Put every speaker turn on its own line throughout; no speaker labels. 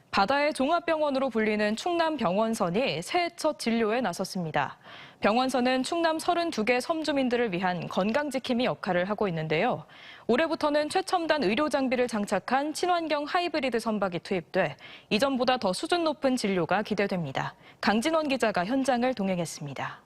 바다의 종합병원으로 불리는 충남병원선이 새해 첫 진료에 나섰습니다. 병원선은 충남 32개 섬 주민들을 위한 건강지킴이 역할을 하고 있는데요. 올해부터는 최첨단 의료 장비를 장착한 친환경 하이브리드 선박이 투입돼 이전보다 더 수준 높은 진료가 기대됩니다. 강진원 기자가 현장을 동행했습니다.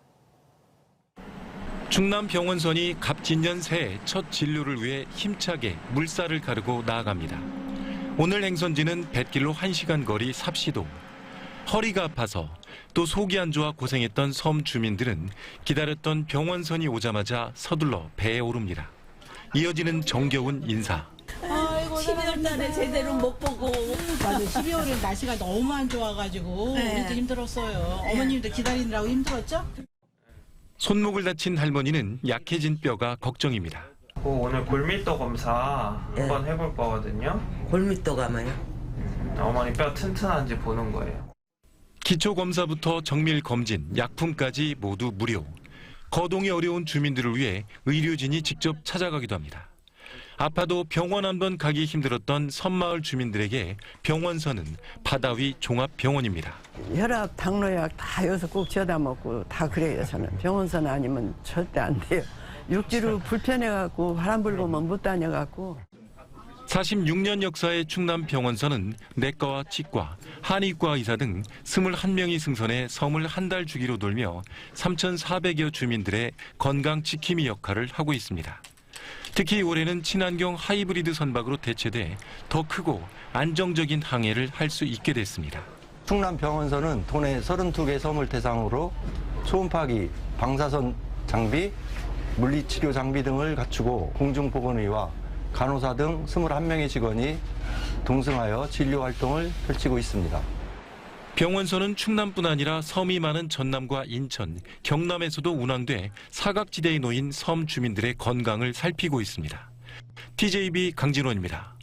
충남병원선이 갑진년 새해 첫 진료를 위해 힘차게 물살을 가르고 나아갑니다. 오늘 행선지는 뱃길로 1시간 거리 삽시도. 허리가 아파서 또 속이 안 좋아 고생했던 섬 주민들은 기다렸던 병원선이 오자마자 서둘러 배에 오릅니다. 이어지는 정겨운 인사.
아이고, 12월 달에 제대로 못 보고.
맞아, 12월에 날씨가 너무 안 좋아가지고
네.
우리도 힘들었어요. 어머님도 기다리느라고 힘들었죠?
손목을 다친 할머니는 약해진 뼈가 걱정입니다.
오늘 골밀도 검사 한번 해볼 거거든요.
골밑도가 뭐요?
어머니 뼈 튼튼한지 보는 거예요.
기초 검사부터 정밀 검진, 약품까지 모두 무료. 거동이 어려운 주민들을 위해 의료진이 직접 찾아가기도 합니다. 아파도 병원 한 번 가기 힘들었던 섬마을 주민들에게 병원선은 바다 위 종합병원입니다.
혈압, 당뇨약 다 여기서 꼭 지어다 먹고 다 그래요. 저는 병원선 아니면 절대 안 돼요. 육지로 불편해갖고 바람 불고만 못 다녀갖고.
46년 역사의 충남병원선은 내과와 치과, 한의과 의사 등 21명이 승선해 섬을 한 달 주기로 돌며 3,400여 주민들의 건강 지킴이 역할을 하고 있습니다. 특히 올해는 친환경 하이브리드 선박으로 대체돼 더 크고 안정적인 항해를 할 수 있게 됐습니다.
충남병원선은 도내 32개 섬을 대상으로 초음파기, 방사선 장비, 물리치료 장비 등을 갖추고 공중보건의와 간호사 등 21명의 직원이 동승하여 진료 활동을 펼치고 있습니다.
병원선은 충남뿐 아니라 섬이 많은 전남과 인천, 경남에서도 운항돼 사각지대에 놓인 섬 주민들의 건강을 살피고 있습니다. TJB 강진원입니다.